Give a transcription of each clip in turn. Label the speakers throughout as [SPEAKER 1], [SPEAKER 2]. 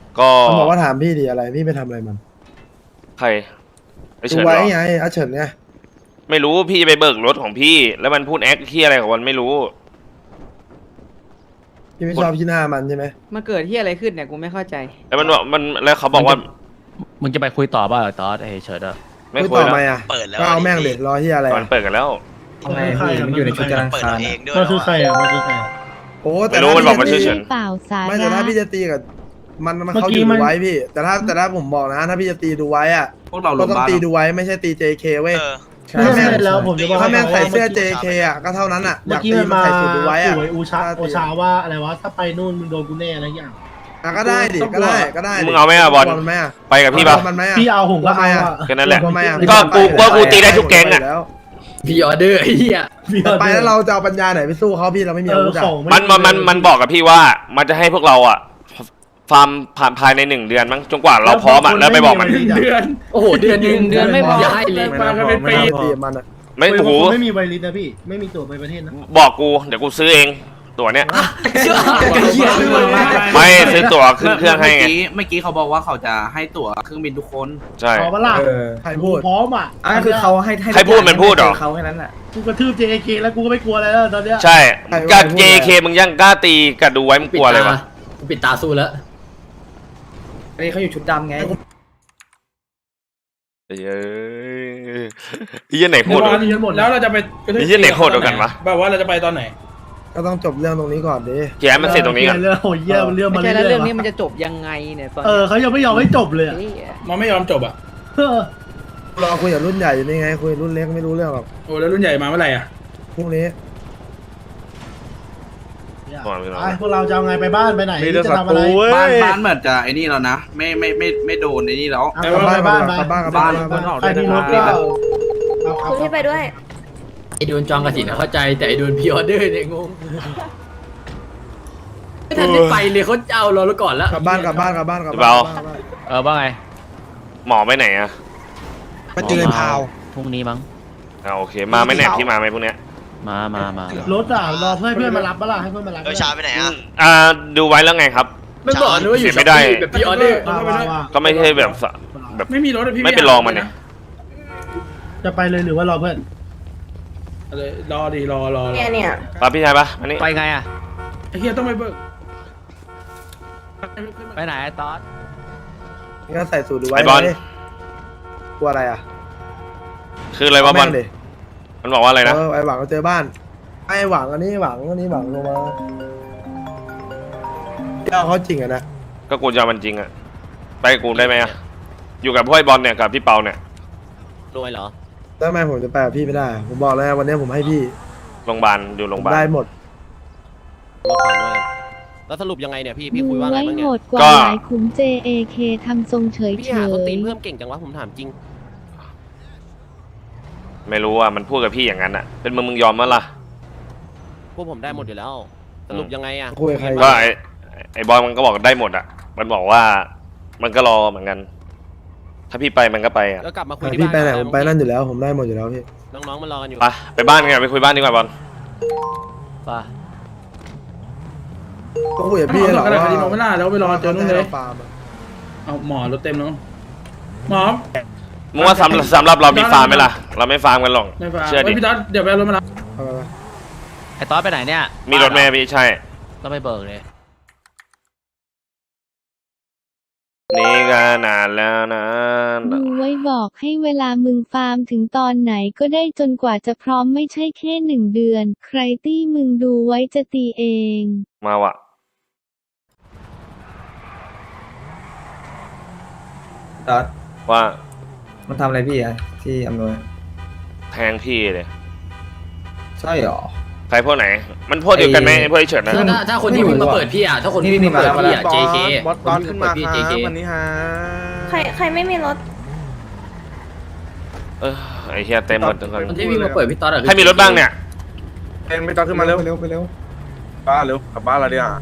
[SPEAKER 1] ก็
[SPEAKER 2] มันบอกว่าถามพี่ดิอะไรพี่ไปทำอะไรมัน
[SPEAKER 1] ใครไอ
[SPEAKER 2] ดู
[SPEAKER 1] เฉินเหร
[SPEAKER 2] ไว้
[SPEAKER 1] อ
[SPEAKER 2] ไงอาเฉินไง
[SPEAKER 1] ไม่รู้พี่จะไปเบิกรถของพี่ แล้วมันพูดแอคที่อะไรของมันไม่รู้
[SPEAKER 2] พี่ไม่ชอบที่หน้ามันใช่ไหม
[SPEAKER 3] มาเกิดที่อะไรขึ้นเนี่ยกูไม่เข้าใจ
[SPEAKER 1] แล้วมันบอกมันแล้วเขาบอกว่า
[SPEAKER 4] มึงจะไปคุยต่อป่ะตอสไอ้เฉิดอะ
[SPEAKER 1] ไม่
[SPEAKER 2] คุย
[SPEAKER 1] คุย
[SPEAKER 2] ต่อ
[SPEAKER 1] แล้ว
[SPEAKER 2] ไหมอ่ะ
[SPEAKER 5] เปิดแล้ว
[SPEAKER 2] ก็เอาแม่งเด็ดรอที่อะไร
[SPEAKER 1] มันเปิดกันแล้ว
[SPEAKER 6] ทำไมพี่มันอยู่ในชุดจรา
[SPEAKER 5] เปิด
[SPEAKER 6] คา
[SPEAKER 5] เราเองด้วย
[SPEAKER 6] มันคือใครอ่ะมันคือใคร
[SPEAKER 2] โอ้แต่
[SPEAKER 1] ไม่รู้
[SPEAKER 2] ถ้า
[SPEAKER 1] มันบอกมัน
[SPEAKER 2] พี่
[SPEAKER 1] ชื่อ
[SPEAKER 2] จะ
[SPEAKER 1] เฉิ
[SPEAKER 2] ตี
[SPEAKER 1] น
[SPEAKER 7] เปล่าสา
[SPEAKER 2] ไม่แต่
[SPEAKER 7] ระ
[SPEAKER 2] ถ้าพี่จะตีกับมัน
[SPEAKER 6] เมื่อ
[SPEAKER 2] เขา
[SPEAKER 6] กี้
[SPEAKER 2] อยู่
[SPEAKER 6] มัน
[SPEAKER 2] ดูไว้พี่ แต่ถ้าผมบอกนะ ถ้าพี่จะตีดูไว้อ่ะ
[SPEAKER 8] พวกเรา
[SPEAKER 2] ก็ต้องตีดูไว้ไม่ใช่ตี JK เว้ย
[SPEAKER 5] เออ
[SPEAKER 6] ไม่ใช่แล้วผมจะบอก
[SPEAKER 2] ถ้าแม่งใส่เสื้อ
[SPEAKER 5] เมื่อกี้
[SPEAKER 2] JK อ่ะก็เท่านั้นอ่ะอ
[SPEAKER 6] เมื่
[SPEAKER 2] ยา
[SPEAKER 6] อก กี้
[SPEAKER 2] ตี
[SPEAKER 6] มัน
[SPEAKER 2] มัน
[SPEAKER 6] มา
[SPEAKER 2] ใส่สูตรดูไว้อ่ะ
[SPEAKER 6] โอชาว่าอะไรวะถ้าไปนู่นมึงโดนกูแน่อะไรอย่าง
[SPEAKER 2] อ่ะก็ได้ดิก็ได้
[SPEAKER 1] มึงเอาไหมอะบอล
[SPEAKER 2] มันไหมอ่ะ
[SPEAKER 1] ไปกับพี่ปะ
[SPEAKER 2] มันไหมอ่ะ
[SPEAKER 6] พี่เอาผมก็เอาอ่ะ
[SPEAKER 1] แค่นั้นแหละ
[SPEAKER 2] ทำไมอ่ะ
[SPEAKER 1] ก็กูตีได้ทุกแก๊งอะ
[SPEAKER 6] พี่ออเดอร์ไอ้เหี้ย
[SPEAKER 2] ไปแล้วเราจะเอาปัญญาไหนไปสู้เขาพี่เราไม่มีอาวุธอ่ะ
[SPEAKER 1] มันบอกกับพี่ว่ามันจะให้พวกเราอ่ะฟาร์มผ่านภายใน1 เดือนมั้งจนกว่าเราพร้อมอ่ะแล้วไปบอกมัน
[SPEAKER 6] เดือนโอ้โหเดือนนึง
[SPEAKER 3] เดือนไม่พอ
[SPEAKER 6] ย้ายเลยมากันเป็นปี
[SPEAKER 2] ตีมันอ่ะ
[SPEAKER 1] ไม่
[SPEAKER 6] โอ้
[SPEAKER 1] โอ้
[SPEAKER 6] โห
[SPEAKER 1] โห
[SPEAKER 6] ไม่มีไวริสนะพี่ไม่มีตั๋วไปประเทศนะ
[SPEAKER 1] บอกกูเดี๋ยวกูซื้อเองตั๋วเนี้ย
[SPEAKER 6] เหี้ย
[SPEAKER 1] ไม่ซื้อตั๋วขึ้นเครื่องให้ไง
[SPEAKER 8] เมื่อกี้เขาบอกว่าเขาจะให้ตั๋วเครื่องบินทุกคน
[SPEAKER 1] ใช่
[SPEAKER 6] ขอมาล่ะ
[SPEAKER 2] ใครพูด
[SPEAKER 6] พร้อมอ่ะคือเขาให้
[SPEAKER 1] ใครพูดมันพูดเหรอ
[SPEAKER 6] เขาแค่นั้นแหละกูกระทืบ JK แล้วกูก็ไม่กลัวอะไรแล้วตอนเนี้ย
[SPEAKER 1] ใช่กับ JK มึงยังกล้าตีกับดูไว้มึงกลัวเลยวะ
[SPEAKER 6] ปิดตาสู้แล้วอันนี้เขาอยู่ชุดดำไง
[SPEAKER 1] เอ้ยไอ้เหี้ยไหนโหดกว่า
[SPEAKER 6] แล้วเราจะไป
[SPEAKER 1] ไอ้เหี้ยไหนโหดกว่ากันวะ
[SPEAKER 6] แบบว่าเราจะไปตอนไหน
[SPEAKER 2] ก็ต้องจบเรื่องตรงนี้ก่อนดิ
[SPEAKER 1] แกมันเสร็จตรงนี้ก่อน
[SPEAKER 6] เรื่องโหเยี่ยมเรื่อง
[SPEAKER 3] ไม่
[SPEAKER 6] มา
[SPEAKER 3] ใช่
[SPEAKER 6] เรื่
[SPEAKER 3] แล้ว
[SPEAKER 6] อย
[SPEAKER 3] เรื่องนี้มันจะจบยังไงเนี่ยตอน
[SPEAKER 6] เขายังไม่ยอมให้จบเลย
[SPEAKER 3] นี้
[SPEAKER 6] มันไม่ยอมจบอ่ะ
[SPEAKER 2] รอคุยกับรุ่นใหญ่อยู่นี่ไงคุยกับรุ่นเล็กไม่รู้เรื่องหรอก
[SPEAKER 6] โอ้แล้วรุ่นใหญ่มาเมื่อไหร่อ่ะ
[SPEAKER 2] พรุ่งนี้
[SPEAKER 6] พวกเราจะเอาไงไปบ้านไปไหนจะทำอะไร
[SPEAKER 8] บ้านเหมือนจะไอ้นี่แล้วนะ ไม่โดนไอ้นี่แล้ว
[SPEAKER 2] กลับบ้านกลับบ้านกลับบ้านกลับบ้าน
[SPEAKER 6] ใครมีรถก็เอา
[SPEAKER 7] คุณที่ไปด้วย
[SPEAKER 9] ไอโดนจองกระสินเข้าใจแต่ไอโดนพิออเดอร์เนี่ยงงไม่ทันได้ไปเลยเขาจะเอาเราแล้วก่อนแล้ว
[SPEAKER 2] กลับบ้านกลับบ้านกลับบ้านกลับ
[SPEAKER 1] เบา
[SPEAKER 2] บ้าน
[SPEAKER 4] ว่าไง
[SPEAKER 1] หมอไปไหนอ่ะ
[SPEAKER 4] มาเจอพาวพรุ่งนี้มั้ง
[SPEAKER 1] โอเคมาไหมแหนบที่มาไหมพวกเนี้ย
[SPEAKER 4] มาร
[SPEAKER 6] ถอ่ะรอเพื่อนมารับบ้าล่ะให้เพื่อนมารับ
[SPEAKER 5] เออชาไปไหนอ่ะ
[SPEAKER 1] ดูไว้แล้วไงครับ
[SPEAKER 9] ไม่บอกนะว่าอยู่
[SPEAKER 1] เสียไม่ได้
[SPEAKER 9] แบบพิออเดอร์
[SPEAKER 1] ก็ไม่ใช่แบบแบบ
[SPEAKER 6] ไม่มีรถพี่
[SPEAKER 1] ไม่เป็นรองมันเนี่ย
[SPEAKER 6] จะไปเลยหรือว่ารอเพื่อนรอดีรอ
[SPEAKER 7] เนี่ย
[SPEAKER 1] ปะพี่ชายปะอันนี้
[SPEAKER 4] ไปไงอะ
[SPEAKER 6] ไอ้เฮียต้องไปเบิก
[SPEAKER 4] ไปไหนไอ้ตอส
[SPEAKER 2] ก็ใส่สูตรดูไว้
[SPEAKER 1] ไอ้บอล
[SPEAKER 2] ดิกลัวอะไรอ่ะ
[SPEAKER 1] คืออะไรวะบอล
[SPEAKER 2] แม่งดิ
[SPEAKER 1] มันบอกว่าอะไรนะ
[SPEAKER 2] ไอ้หวังก็เจอบ้านไอ้หวังอันนี้หวังอันนี้หวังลงมาเจ้าเขาจริงอ่ะนะ
[SPEAKER 1] ก็กูจะเอามันจริงอ่ะไปกับกูได้ไหมอ่ะอยู่กับพวกไอ้บอลเนี่ยกับพี่เปาเนี่ย
[SPEAKER 4] รวยเหรอ
[SPEAKER 2] แล้วทำไมผมจะไปกับพี่ไม่ได้ ผมบอกแล้ววันนี้ผมให้พี่
[SPEAKER 1] โรงพยาบาลอยู่โรงพยาบาล
[SPEAKER 2] ได้หมด
[SPEAKER 4] รถผ่อนด้วยแล้วสรุปยังไงเนี่ยพี่
[SPEAKER 7] ดู
[SPEAKER 4] คุยว่าไง
[SPEAKER 7] ไว้
[SPEAKER 4] บ้าง
[SPEAKER 7] โห
[SPEAKER 4] เนี่ย
[SPEAKER 7] ดกว่า
[SPEAKER 1] ก็
[SPEAKER 7] หลายขุม JAK ทำทรงเฉย
[SPEAKER 4] พี่
[SPEAKER 7] เฉ
[SPEAKER 4] หาคน
[SPEAKER 7] ย
[SPEAKER 4] ตีนเพิ่มเก่งจังวะผมถามจริง
[SPEAKER 1] ไม่รู้อ่ะมันพูดกับพี่อย่างนั้นอ่ะเป็นมึงยอมมั้ยล่ะ
[SPEAKER 4] พวกผมได้หมดอยู่แล้ว สรุปยังไงอะ
[SPEAKER 2] คุยกับใคร
[SPEAKER 1] ก็ไอ้บอลมันก็บอกได้หมดอ่ะมันบอกว่ามันก็รอเหมือนกัน ถ้าพี่ไปมันก็ไปอ่ะ
[SPEAKER 4] แล้วกลับมาคุยที่
[SPEAKER 2] พี่
[SPEAKER 4] บ้าน
[SPEAKER 2] ไปไหน
[SPEAKER 4] กั
[SPEAKER 2] ผมไปนั่นอยู่แล้ว ผมได้หมดอยู่แล้วพี่
[SPEAKER 4] น้องๆมันรอกันอยู่
[SPEAKER 1] ไปบ้านกันไปคุยบ้านดีกว่าบอล
[SPEAKER 4] ป่ะ
[SPEAKER 2] ก็คุยกับพี่หรอก
[SPEAKER 6] อะไร
[SPEAKER 2] ว่า
[SPEAKER 6] คดีมองไม่ล่าแล้วไปรอเจอนู่นเลย
[SPEAKER 2] ฟาร์มอะ
[SPEAKER 6] เอาหมอรถเต็มเนาะหมอ
[SPEAKER 1] มึงว่าสำหรับเรามีฟาร์มไหมล่ะเราไม่ฟาร์มกันหรอก
[SPEAKER 6] ไม่ฟ้า
[SPEAKER 1] เชื่อดิ
[SPEAKER 6] พี่ต๊อดเดี๋ยวไปเอารถมารับ
[SPEAKER 2] เอาไป
[SPEAKER 4] ไอ้ตอสไปไหนเนี่ย
[SPEAKER 1] มีรถแม่พี่ใช่
[SPEAKER 4] ต้องไปเบิกเลย
[SPEAKER 1] นี่ก็นานแล้วนะ
[SPEAKER 7] ดูไว้บอกให้เวลามึงฟาร์มถึงตอนไหนก็ได้จนกว่าจะพร้อมไม่ใช่แค่1 เดือน ใครตี้มึงดูไว้จะตีเอง
[SPEAKER 1] มาว่ะ
[SPEAKER 6] ต๊อด
[SPEAKER 1] ว่า
[SPEAKER 6] มันทำอะไรพี่อะที่อำนวย
[SPEAKER 1] แทงพี่เลย
[SPEAKER 6] ใช่หรอ
[SPEAKER 1] ใครพวกไหน มันพวกเดียวกันไหมไอ้พวกไอ้เฉิดนะ
[SPEAKER 9] ถ้าคนที่วิ่งมาเปิดพี่อ่ะถ้าคนที่วิ่งมาเปิดพี่อ่ะ JK
[SPEAKER 2] บอสตอนขึ้นมา
[SPEAKER 9] พี่
[SPEAKER 2] ครับ
[SPEAKER 9] JK
[SPEAKER 2] วันนี้ฮะ
[SPEAKER 7] ใครไม่มีรถ
[SPEAKER 1] ไอ้เฮียเต็มหมดทุกคน
[SPEAKER 9] คนที่วิ่งมาเปิดพี่ต๊อดอะ
[SPEAKER 1] ใครมีรถบ้างเนี่ย
[SPEAKER 2] เป็นไม่ต้องขึ้นมาเร็วไปเร็วบ้านเร็วกลับบ้านเราดีอ่ะ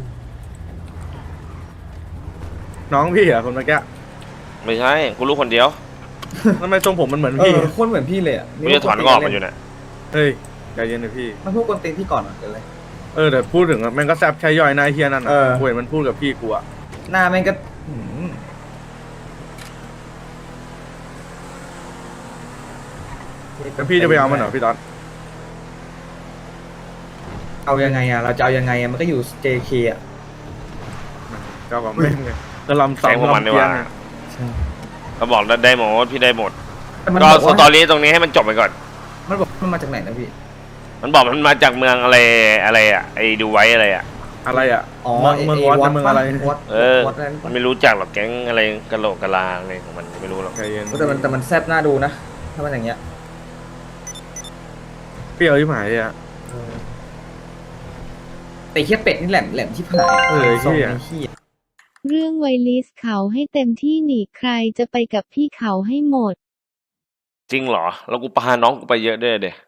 [SPEAKER 2] น้องพี่อ่ะคนเมื่อกี้
[SPEAKER 1] ไม่ใช่กูรู้คนเดียว
[SPEAKER 2] ทำไมทรงผมมันเหมือนพี่โคตรเหมือนพี่เลยอ่ะ
[SPEAKER 1] กูจะถอนงอกมันอยู่เนี่ย
[SPEAKER 2] เฮ้ยใจเย็นเลยพี่
[SPEAKER 6] มันพูดกวนตีนพี่ก่อนอ่ะเลย
[SPEAKER 2] แต่พูดถึงอะแม่งก็แซบใช้ย่อยนายเฮียนั่นอ่ะกูเห็นมันพูดกับพี่กูอ่ะ
[SPEAKER 6] หน้าแม่งก็
[SPEAKER 2] แล้วพี่จะไปเอามันเหรอพี่ต๊อด
[SPEAKER 5] เอายังไงอะเราจะเอายังไงอะมันก็อยู่ JK อะ
[SPEAKER 2] ก็บอกไม่ไงก็ลำ
[SPEAKER 1] แสงพวกมันดีกว่า
[SPEAKER 5] ใช่
[SPEAKER 1] เขาบอกได้หมดพี่ได้หมด
[SPEAKER 5] แต่มัน
[SPEAKER 1] ก็
[SPEAKER 5] บอก
[SPEAKER 1] ส
[SPEAKER 5] ว่า
[SPEAKER 1] ตอรี่ตรงนี้ให้มันจบไปก่อน
[SPEAKER 5] มันบอกมันมาจากไหนนะพี่
[SPEAKER 1] มันบอกมันมาจากเมืองอะไรอ่ะไอ้ดูไว้อะไรอ่ะ
[SPEAKER 2] อะไรอ่ะ
[SPEAKER 5] อ๋อ
[SPEAKER 2] เมืองวอดเมืองอะไร
[SPEAKER 5] วอด
[SPEAKER 1] เออ
[SPEAKER 5] วอดนั้น
[SPEAKER 1] มันไม่รู้จักหรอกแก๊งอะไรกะโหลกกะลาอะไรของมันไม่รู้หรอก
[SPEAKER 2] ใจเย็น
[SPEAKER 5] แต่มันแซ่บน่าดูนะถ้ามันอย่างเงี้ย
[SPEAKER 2] เปรี้ยวที่หมายอ่ะ
[SPEAKER 5] แต่เฮียเป็ดนี่แหลมที่ผาย
[SPEAKER 2] เออเหี้ย
[SPEAKER 5] ส่งไอ้เหี้ย
[SPEAKER 7] เรื่องไวลิสเขาให้เต็มที่หนีใครจะไปกับพี่เขาให้หมด
[SPEAKER 1] จริงเหรอแล้วกูพาน้องกูไปเยอะด้วยเดะ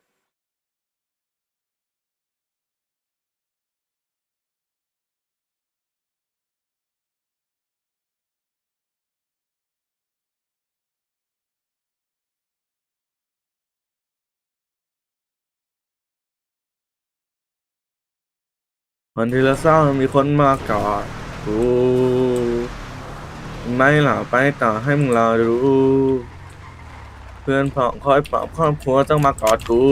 [SPEAKER 2] วันที่เราเศร้ามีคนมากอดกูไม่หล่ะไปต่อให้มึงรอดูเพื่อนพ้องคอยปลอบครอบครัวต้องมากอดกู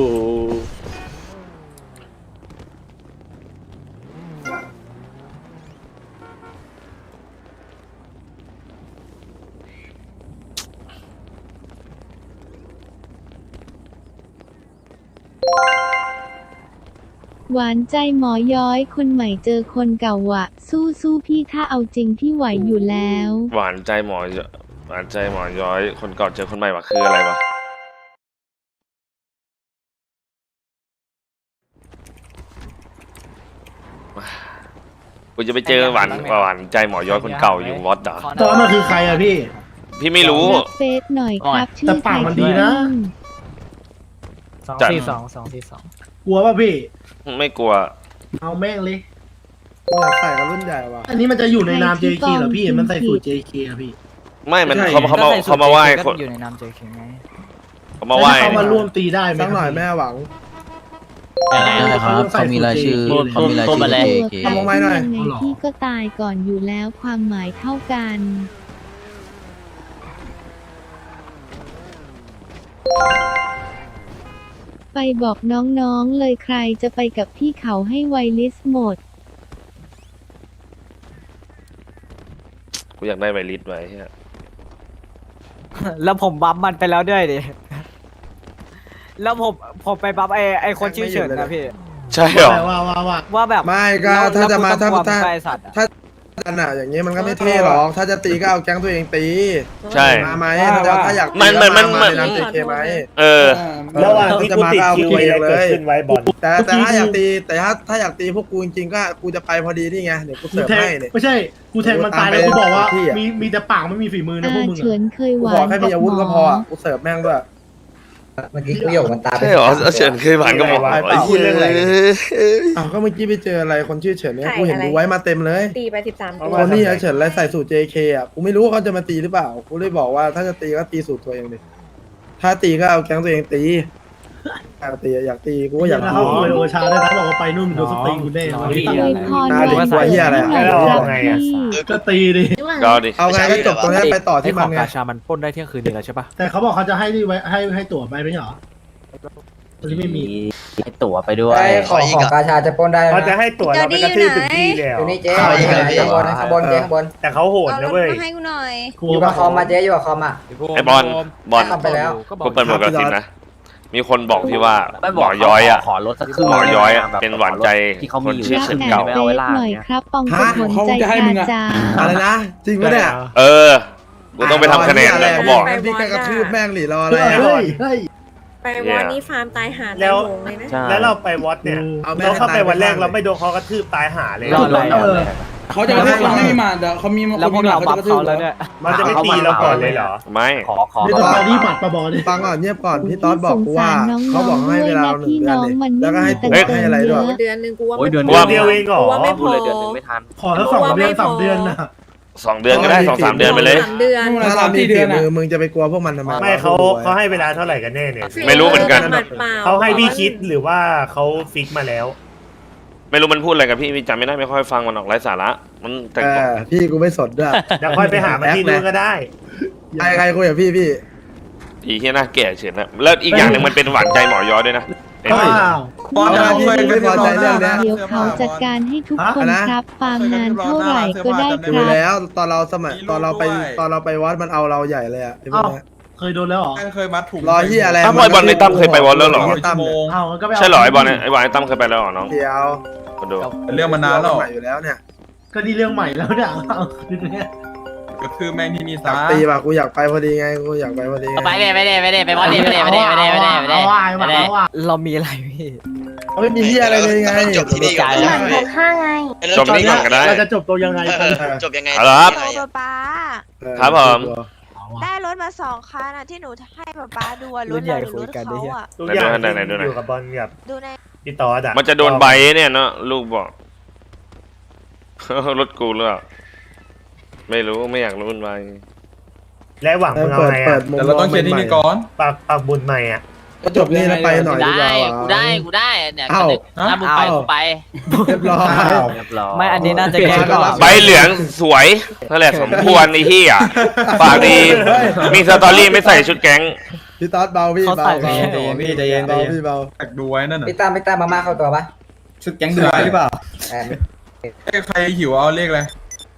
[SPEAKER 7] หวานใจหมอย้อยคนใหม่เจอคนเก่าวะ สู้พี่ถ้าเอาจริงพี่ไหวอยู่แล้ว
[SPEAKER 1] หวานใจหมอย้อยคนเก่าเจอคนใหม่วะคืออะไรวะกูจะไปเจอหวานใจหมอย้อยคนเก่าอยู่วอดเหรอ
[SPEAKER 6] ตอนมันคือใครอะพี่
[SPEAKER 1] พี่ไม่รู้
[SPEAKER 7] รับเฟซหน่อยครับชื่
[SPEAKER 6] แต่
[SPEAKER 7] อ
[SPEAKER 6] ปากมันดีนะ
[SPEAKER 1] จัด
[SPEAKER 6] กลัวป่ะพี่
[SPEAKER 1] ไม่กลัว
[SPEAKER 6] เอาแม่งเลย
[SPEAKER 2] อยากใส่กับรุ่นใหญ่ว่ะ
[SPEAKER 6] อันนี้มันจะอยู่ในนาม JK เหรอพี่ มันใส่สูตร JK อะพี่
[SPEAKER 1] ไม่มัน
[SPEAKER 2] ใช่
[SPEAKER 1] เขามาไหว้คน
[SPEAKER 3] อยู่ในนาม JK ไง
[SPEAKER 1] เขามาไหว้
[SPEAKER 6] แล้วเขามาร่วมตีได้ไหม
[SPEAKER 2] สักหน่อยแม่หวัง
[SPEAKER 9] ยังไงนะครับ
[SPEAKER 6] เขามีรายชื่อ
[SPEAKER 9] เขามีรายชื่อ
[SPEAKER 7] ตัว
[SPEAKER 9] JK
[SPEAKER 7] ใคร
[SPEAKER 2] ทำไมหน่อย
[SPEAKER 7] ยังไงพี่ก็ตายก่อนอยู่แล้วความหมายเท่ากัน ไปบอกน้องๆเลยใครจะไปกับพี่เขาให้ไวลิสหมด
[SPEAKER 1] กูอยากได้ไวริสไว้เหี้ย
[SPEAKER 3] แล้วผมบัฟมันไปแล้วด้วยดิ แล้วผมไปบัฟไอคนชื่อเฉินนะพี่
[SPEAKER 1] ใช่เหรอ
[SPEAKER 6] ว่า
[SPEAKER 3] ว่าแบบ
[SPEAKER 2] ไม่ก็ถ้าจะมา
[SPEAKER 3] แล้วกูต้องกลัว
[SPEAKER 2] ถ้า
[SPEAKER 3] ไปสัตว์อะ
[SPEAKER 2] กันอ่ะอย่างนี้มันก็ไม่เท่หรอก ถ้าจะตีก็เอาแก๊งตัวเองตี
[SPEAKER 1] ใช่
[SPEAKER 2] มาไหมถ้าอยากตี
[SPEAKER 1] มัน
[SPEAKER 2] ก็
[SPEAKER 1] มัน
[SPEAKER 2] มาในนาม JK ไหม
[SPEAKER 1] เออ
[SPEAKER 2] ระหว่างที่กูติดคิวอะไรเกิดขึ้นไว้บอลแต่ถ้าอยากตีถ้าอยากตีพวกกูจริงๆก็กูจะไปพอดีนี่ไงเดี๋ยวกู
[SPEAKER 6] กู
[SPEAKER 2] เสิร์ฟ
[SPEAKER 6] แทง
[SPEAKER 2] ให้เนี่ย
[SPEAKER 6] ไม่ใช่ กูแทงมันตายแล้วกูบอกว่า
[SPEAKER 2] ที่อะ
[SPEAKER 6] มีแต่ปากไม่มีฝีมือนะพวกมึง
[SPEAKER 7] เฉิ
[SPEAKER 6] อะ
[SPEAKER 7] นเคยห
[SPEAKER 2] กู
[SPEAKER 7] วา
[SPEAKER 2] ขอน แค่มีอาวุธก็พอกูเสิร์ฟแม่งด้วย
[SPEAKER 5] เมื่อกี้กูโยกมันตาไป
[SPEAKER 1] ใช่เหรอเฉินเคยผ่านกับหมอ
[SPEAKER 2] ไปเปล่า
[SPEAKER 1] ไอ้เหี้ย
[SPEAKER 2] อ้าวก็เมื่อกี้ไปเจออะไรคนชื่อเฉินเนี่ยกูเห็นดูไว้มาเต็มเลย
[SPEAKER 10] ตีไป13 ตัว
[SPEAKER 2] คนนี้ไอ้เฉินอะไรใส่สูตร JK อ่ะกูไม่รู้ว่าเขาจะมาตีหรือเปล่ากูเลยบอกว่าถ้าจะตีก็ตีสูตรตัวเองดิถ้าตีก็เอาแก๊งตัวเองตีอยากตีกูก็อยาก
[SPEAKER 6] แล้ว
[SPEAKER 2] ตี
[SPEAKER 6] เขาคุยโอชาได้นะบอกว่าไปนู่นโดนสตีกูแน่
[SPEAKER 7] อวยพร
[SPEAKER 2] น่า
[SPEAKER 7] แบ
[SPEAKER 2] ดี
[SPEAKER 7] บ
[SPEAKER 2] กว่าเหี้ยอะไรอะ
[SPEAKER 7] ให้หน่อยครับพี่
[SPEAKER 6] ก็ตีดิ
[SPEAKER 1] ก็ดิ
[SPEAKER 2] เอาไงก็จบตรงนี้ไปต่อที่มันไง
[SPEAKER 4] กาชามันปล้นได้เที่ยงคืนนี้แล้วใช่ปะ
[SPEAKER 6] แต่เขาบอกเขาจะให้นี่ไว้ให้ตั๋วไปไม่ใช่เหรอตอนนี้ไม่มี
[SPEAKER 9] ให้ตั๋วไปด้วย
[SPEAKER 5] ของกาชาจะปล้นได้นะ
[SPEAKER 11] เขาจะให้ตั๋วเราไปกระทืบถึงที่แล้ว
[SPEAKER 5] อยู่นี่เจ๊ข้างบนข้างบนเจ๊ข้างบน
[SPEAKER 11] แต่เขาโหด
[SPEAKER 10] เอาร
[SPEAKER 11] นะ
[SPEAKER 10] ถ
[SPEAKER 11] เว้ย
[SPEAKER 10] มาให้กูหน่อย
[SPEAKER 5] อยู่กับคอมมาเจ๊อยู่กับคอมอ่ะ
[SPEAKER 1] ไอ้บอล
[SPEAKER 5] ทำไปแล้ว
[SPEAKER 1] กูเปิดหมวกกระสิบนะมีคนบอกพี่ว่า
[SPEAKER 9] ไม่
[SPEAKER 1] ห
[SPEAKER 9] บ
[SPEAKER 1] ม
[SPEAKER 9] อก
[SPEAKER 1] อย้อยอ่ะ
[SPEAKER 9] ขอรถสักครึ่ง
[SPEAKER 1] หมอย้อยอ่ะ
[SPEAKER 9] แบบ
[SPEAKER 1] เป็นหวานใจ
[SPEAKER 9] ที่เขามีอยู่
[SPEAKER 1] คนชื่อ
[SPEAKER 7] รับ
[SPEAKER 1] เฉิน
[SPEAKER 7] แหน
[SPEAKER 1] เก่า
[SPEAKER 7] เฟซหน่อยครับปองกระผลใจกาจา
[SPEAKER 2] อะไรนะจริงปะเนี่ย
[SPEAKER 1] เออกูต้องไปทำคะแนนเลยเขาบอก
[SPEAKER 2] พี่ก็กระทืบแม่งหรือรออะไร
[SPEAKER 6] เฮ้
[SPEAKER 2] อะ
[SPEAKER 6] ยเฮ้ย
[SPEAKER 10] ไปวอนนี่ฟาร์มตายหา
[SPEAKER 11] แล้ว
[SPEAKER 10] ตายโหงเลยนะ
[SPEAKER 9] ใช่
[SPEAKER 11] แล้วเราไปวอตเนี่ย
[SPEAKER 2] เอาแม่
[SPEAKER 11] เราเข้าไป
[SPEAKER 2] ให้ตาย
[SPEAKER 11] วันแรก
[SPEAKER 2] ไป
[SPEAKER 11] เราไม่โดนเขากระทืบตายหาเลย
[SPEAKER 9] รอดอะไร
[SPEAKER 6] เออ
[SPEAKER 5] เขาจะไม่มีมาเดี๋ยวเขามี
[SPEAKER 3] แล้วพวกเราบัฟเขาแล้วเนี่ย
[SPEAKER 11] มันจะไม่ตีเราก่อนเลยเหรอ
[SPEAKER 1] ไม่
[SPEAKER 9] ขอ
[SPEAKER 6] นี่ต้องไปที่ปัดประบอลดิ
[SPEAKER 2] ฟังก่อนเงียบก่อนพี่ต๊อดบอกกูว่าเขาบอกให้เวลาเรา1 เดือนเลยแล้วก็ให้ตัวให้อะไรด้วย
[SPEAKER 10] เดือนหนึงกูว่า
[SPEAKER 9] โอ้ย
[SPEAKER 10] ไม่
[SPEAKER 9] เดือน
[SPEAKER 10] พอ
[SPEAKER 11] เดียวเองเหรอ
[SPEAKER 10] กูว่าไม่พ
[SPEAKER 9] พูด
[SPEAKER 10] อ
[SPEAKER 9] เลยเดือนหนึงไม่ทัน
[SPEAKER 6] ขอทั้ง2 เดือน 3 เดือนนะ
[SPEAKER 1] 2 เดือนก็ได้2-3 เดือนไปเลย
[SPEAKER 10] 3 เดือน
[SPEAKER 2] ถ้าเรามีฝีมือมึงจะไปกลัวพวกมันทำไม
[SPEAKER 11] ไม่เขาให้เวลาเท่าไหร่กันแน่เนี่ย
[SPEAKER 1] ไม่รู้เหมือนกัน
[SPEAKER 10] หมัดเปล่า
[SPEAKER 11] เขาให้พี่คิดหรือว่าเขาฟิกมาแล้ว
[SPEAKER 1] ไม่รู้มันพูดอะไรกับพี่จำไม่ได้ไม่ค่อยฟังมันออกไร้สาระมันแต่งตัว
[SPEAKER 2] พี่กูไม่สนด้วย
[SPEAKER 11] เดี๋ยวค่อยไปหามันที่นู่นก็ได้
[SPEAKER 2] ใครคุยกับพี่
[SPEAKER 1] อีที่หน้าแก่เฉยนะแล้วอีกอย่างหนึ่งมันเป็นหวานใจหมอยอด้วยนะเห็นไหม
[SPEAKER 6] อ้าว
[SPEAKER 2] เอาพี่ไม่พอใจเรื่องเนี้ย
[SPEAKER 7] เดี๋ยวเขาจัดการให้ทุกคน
[SPEAKER 2] อะไรนะ
[SPEAKER 7] ครับ ฟาร์มนานเท่าไหร่ก็ได้ค
[SPEAKER 2] ดู
[SPEAKER 7] รับ
[SPEAKER 2] แล้วตอนเราไปวัดมันเอาเราใหญ่เลยอ่ะไอ้พวกเนี้ย
[SPEAKER 6] เคยโดนแล้วเหรอ
[SPEAKER 5] เคยมัดถุง
[SPEAKER 2] รอที่อะไร
[SPEAKER 1] อ้าวบอลในตั้มเคยไปวอลแล้วเหรอ
[SPEAKER 2] ตั้มเนี่ย
[SPEAKER 6] เอาก็ไปา
[SPEAKER 1] ใช่เหรอไอ้บอลเนี่ยไอ้บอลไอ้ตั้มเคยไปแล้วเหรอน้อง
[SPEAKER 2] เดียว
[SPEAKER 1] มาดู
[SPEAKER 5] เรื่องมานานแล้ว
[SPEAKER 2] ใหม่อยู่แล้วเนี่ย
[SPEAKER 6] ก็นี่เรื่องใหม่แล้วเนี่ยเอาคือเนี่ย
[SPEAKER 5] ก็คือแม่งที่มี
[SPEAKER 2] อยา
[SPEAKER 5] สาก
[SPEAKER 2] ตีป่ะกูอยากไปพอดีไงกูอยากไปพอดีไง
[SPEAKER 3] ไปไปบอลดีไป
[SPEAKER 6] เอาว่าเอาว่า
[SPEAKER 3] เรามีอะไรพี่
[SPEAKER 2] เขาไม่มีที่อะไรเลยไง
[SPEAKER 10] หมัน65ไง
[SPEAKER 1] จบนี้ก่อนก็ได้
[SPEAKER 6] เราจะจบตัวยังไงกัน
[SPEAKER 8] จบยังไง
[SPEAKER 1] เอาละครับ
[SPEAKER 10] โอ้ป๊า
[SPEAKER 1] ครับผม
[SPEAKER 10] ได้รถมา2 คันอะที่หนูให้ป๊าดูอะรถเราหรือรถเขาอะ
[SPEAKER 11] ทุกอย่าง
[SPEAKER 1] ไหนๆดูหน่อย
[SPEAKER 11] อยู่กับบอลกับ
[SPEAKER 10] ดูใน
[SPEAKER 11] พี่ตอดอะ
[SPEAKER 1] มันจะโดนใบเนี่ยเนาะลูกบอก รถกูหรือเปล่าไม่รู้ไม่อยากรู้มันใบ
[SPEAKER 11] และหวังมึงเอา
[SPEAKER 2] เปิด
[SPEAKER 11] ไง
[SPEAKER 2] เปิ
[SPEAKER 11] อะ
[SPEAKER 2] ดมุม
[SPEAKER 5] แต่เราต้องเคลียร์ที่นี่ก่อน
[SPEAKER 11] ปากบุญใหม่อะ
[SPEAKER 2] ก็จบนี่แล้วไปหน่อยดีกว่า
[SPEAKER 3] กูได้เนี่ย
[SPEAKER 2] เอ้า
[SPEAKER 3] ถ้ามึงไปกูไป
[SPEAKER 2] เรียบร้อย
[SPEAKER 3] ไม่อันนี้น่าจะแก้ก่อน
[SPEAKER 1] ใบเหลืองสวยนั่นแหละสมควรไอ้เหี้ยปากดีมีสตอรี่ไม่ใส่ชุดแก๊ง
[SPEAKER 2] พี่ต๊อดเบาพี่
[SPEAKER 3] เขา
[SPEAKER 2] เบา
[SPEAKER 3] ใส่
[SPEAKER 2] เบา
[SPEAKER 5] พี่ใจเย็น
[SPEAKER 2] เบาพี่เบา
[SPEAKER 5] แตกดูไว้นั่นน่ะพี่ตามมาเข้าตัวปะชุดแก๊งดูไว้หรือเปล่าใครหิวเอาเลขเลย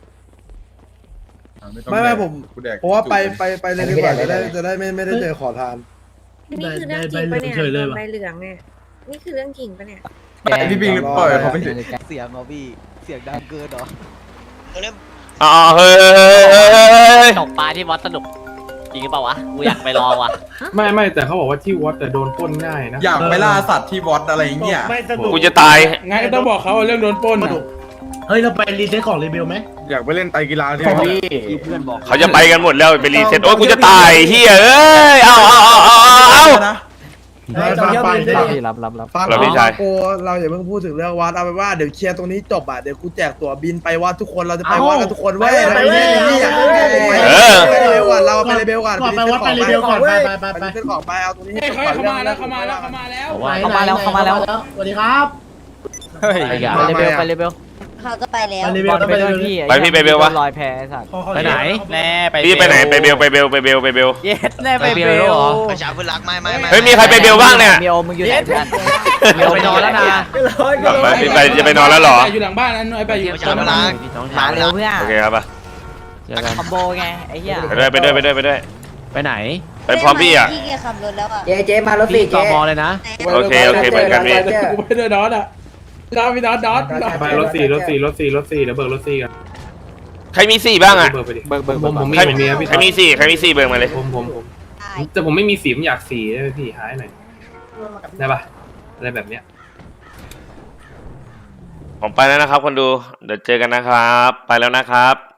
[SPEAKER 2] ไม่ผมเพราะว่าไปเลยดีกว่าจะได้ไม่ได้เจอขอทาน
[SPEAKER 10] นี่คือเรื่องจริงปะเนี่ยใบเหลืองเนี่ยนี่คือเรื่องจริงปะเนี่ย
[SPEAKER 5] พี่ปิงปล่อยเขาไปสิ
[SPEAKER 3] เสียงเขาพี่เสียงดังเกินเหรอ
[SPEAKER 1] อ๋อเฮ้ย
[SPEAKER 3] ตกปลาที่วัดสนุกจริงหรือเปล่าวะกูอยากไปลองว่ะ
[SPEAKER 6] ไม่แต่เขาบอกว่าที่วัดแต่โดนปล้นง่ายนะ
[SPEAKER 5] อยากไปล่าสัตว์ที่วอดอะไรเงี้ย
[SPEAKER 11] ไม่สนุก
[SPEAKER 1] กูจะตาย
[SPEAKER 6] งั้นก็ต้องบอกเขาเรื่องโดนปล้นเฮ้ยเราไปรีเซ็ตของรีเบลไหม
[SPEAKER 5] อยากไปเล่นไตกีฬาที่
[SPEAKER 3] เพื่อนบอก
[SPEAKER 1] เขาจะไปกันหมดแล้วไปรีเซ็ตโอ้ยกูจะตายเฮียเอ้ยเอา
[SPEAKER 5] นะ
[SPEAKER 3] รับ
[SPEAKER 2] ฟัง
[SPEAKER 1] เราพี่ชาย
[SPEAKER 2] โอ้เราอย่าเพิ่งพูดถึงเรื่องวัดเอาไปนว่าเดี๋ยวเคลียร์ตรงนี้จบอ่ะเดี๋ยวกูแจกตั๋วบินไปวัดทุกคนเราจะไปวัดกันทุกคนเว้ยไปเลยไปเลยก่อนเราไปเลยเบลก่อน
[SPEAKER 6] ก่อนไปวัดไปรีเบลก่อนไป
[SPEAKER 2] ไปเส้นของไปเอาตรงนี้ให้จบก่อน
[SPEAKER 6] เขามาแล้ว สวัสดีครับ
[SPEAKER 3] ไปเลเบล
[SPEAKER 10] เขาจะไปแล้ว
[SPEAKER 6] ไปรีเบลต้องไปด้วยพี่
[SPEAKER 1] ไปพี่ไปเบลวะ
[SPEAKER 3] ลอยแพสัตว์
[SPEAKER 6] ไปไหน
[SPEAKER 3] แน่ไป
[SPEAKER 1] พี่ไปไหนไปเบล
[SPEAKER 3] เย็ดแน่ไปเบลเหรอ
[SPEAKER 8] ประชาพื้นรักไม่
[SPEAKER 1] เฮ้ยมีใครไปเบลบ้างเนี่ย
[SPEAKER 3] มีโอมึงอยู่ไหนเพื่อนมีโอไปนอนแล้วนะ
[SPEAKER 1] ไปจะไปนอนแล้วเหรอ
[SPEAKER 6] อยู่หลังบ้านนั้นไปอยู่
[SPEAKER 8] ประชาพื้นรัก
[SPEAKER 3] มาเร็วเพื่อน
[SPEAKER 1] โอเคครับป่ะ
[SPEAKER 3] คอมโบไงไอ้เหี้ย
[SPEAKER 1] ไปด้วย
[SPEAKER 3] ไปไหน
[SPEAKER 1] ไปพร้อมพี่อ่ะ
[SPEAKER 10] พี่แกขับรถแล้วอะ
[SPEAKER 5] เจ๊มารถสี่
[SPEAKER 3] ต่
[SPEAKER 5] เจ๊
[SPEAKER 3] อมอเลยนะ
[SPEAKER 1] โอเคเหมือนกันพี่
[SPEAKER 6] กูไปด้วยดอทอ่ะพี่ดอทไปรถสี่เดี๋ยวเบิกรถสี่กัน
[SPEAKER 1] ใครมีสี่บ้างอ่ะ
[SPEAKER 6] เบิกไปดิ
[SPEAKER 3] เบิก
[SPEAKER 6] ผมมี
[SPEAKER 1] ใครมีสี่เบิกมาเลย
[SPEAKER 6] ผมแต่ผมไม่มีสีผมอยากสีได้ไหมพี่หายหน่อยได้ปะอะไรแบบเนี้ย
[SPEAKER 1] ผมไปแล้วนะครับคนดูเดี๋ยวเจอกันนะครับ ไปแล้วนะครับ